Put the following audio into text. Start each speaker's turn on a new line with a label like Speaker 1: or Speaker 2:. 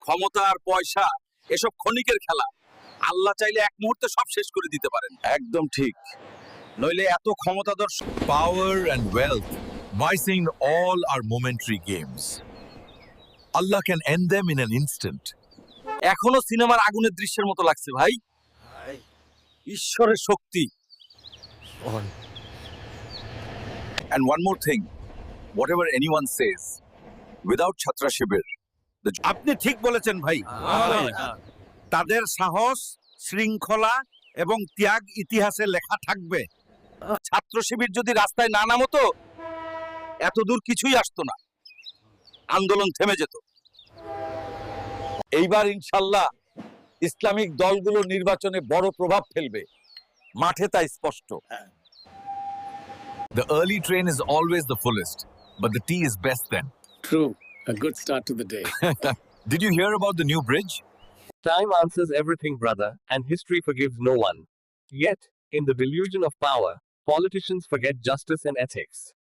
Speaker 1: ক্ষমতা আর পয়সা এসব ক্ষণিকের খেলা। আল্লাহ চাইলে এক মুহূর্তে সব শেষ করে দিতে পারেন। একদম ঠিক, নইলে এত ক্ষমতাধর
Speaker 2: Power and wealth, vicing all are momentary games. Allah can end them in an instant.
Speaker 1: এখনো সিনেমার আগুনের দৃশ্যের মতো লাগছে ভাই। ঈশ্বরের শক্তি। And one more thing, whatever anyone says, without Chhatra Shibir, আপনি ঠিক বলেছেন ভাই। তাদের সাহস, শৃঙ্খলা এবং ত্যাগ ইতিহাসে লেখা থাকবে। ছাত্র শিবির যদি রাস্তায় না নামতো এত দূর কিছুই আসতো না, আন্দোলন থেমে যেত। এইবার ইনশাল্লাহ ইসলামিক দলগুলো নির্বাচনে বড় প্রভাব ফেলবে, মাঠে তা স্পষ্ট।
Speaker 2: The early train is always the fullest, but the tea is best then.
Speaker 3: True. A good start to the day.
Speaker 2: Did you hear about the new bridge?
Speaker 4: Time answers everything, brother, and history forgives no one. Yet, in the delusion of power, politicians forget justice and ethics.